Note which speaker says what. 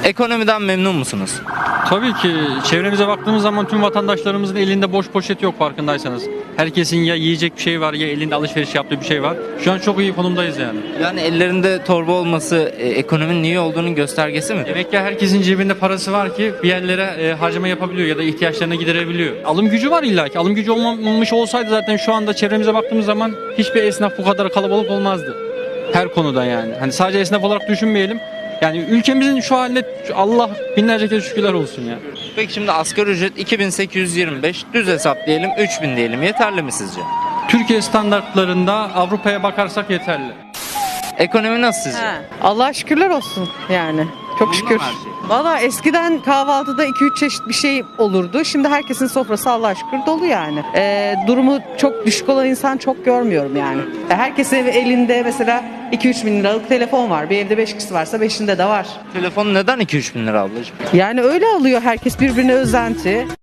Speaker 1: Ekonomiden memnun musunuz?
Speaker 2: Tabii ki çevremize baktığımız zaman tüm vatandaşlarımızın elinde boş poşet yok farkındaysanız. Herkesin ya yiyecek bir şey var ya elinde alışveriş yaptığı bir şey var. Şu an çok iyi konumdayız yani.
Speaker 1: Yani ellerinde torba olması ekonominin iyi olduğunun göstergesi mi?
Speaker 2: Demek ki herkesin cebinde parası var ki bir yerlere harcama yapabiliyor ya da ihtiyaçlarını giderebiliyor. Alım gücü var illa ki. Alım gücü olmamış olsaydı zaten şu anda çevremize baktığımız zaman hiçbir esnaf bu kadar kalabalık olmazdı. Her konuda yani. Hani sadece esnaf olarak düşünmeyelim. Yani ülkemizin şu haline Allah binlerce kez şükürler olsun ya.
Speaker 1: Peki şimdi asgari ücret 2825, düz hesap diyelim 3000 diyelim, yeterli mi sizce?
Speaker 2: Türkiye standartlarında Avrupa'ya bakarsak yeterli.
Speaker 1: Ekonomi nasıl sizce?
Speaker 3: Allah şükürler olsun yani. Çok
Speaker 1: Memnun
Speaker 3: şükür.
Speaker 1: mu her şey?
Speaker 3: Valla eskiden kahvaltıda 2-3 çeşit bir şey olurdu. Şimdi herkesin sofrası Allah'a şükür dolu yani. Durumu çok düşük olan insan çok görmüyorum yani. Herkesin elinde mesela 2-3 bin liralık telefon var. Bir evde 5 kişi varsa 5'inde de var.
Speaker 1: Telefon neden 2-3 bin lira ablacığım?
Speaker 3: Yani öyle alıyor herkes, birbirine özenti.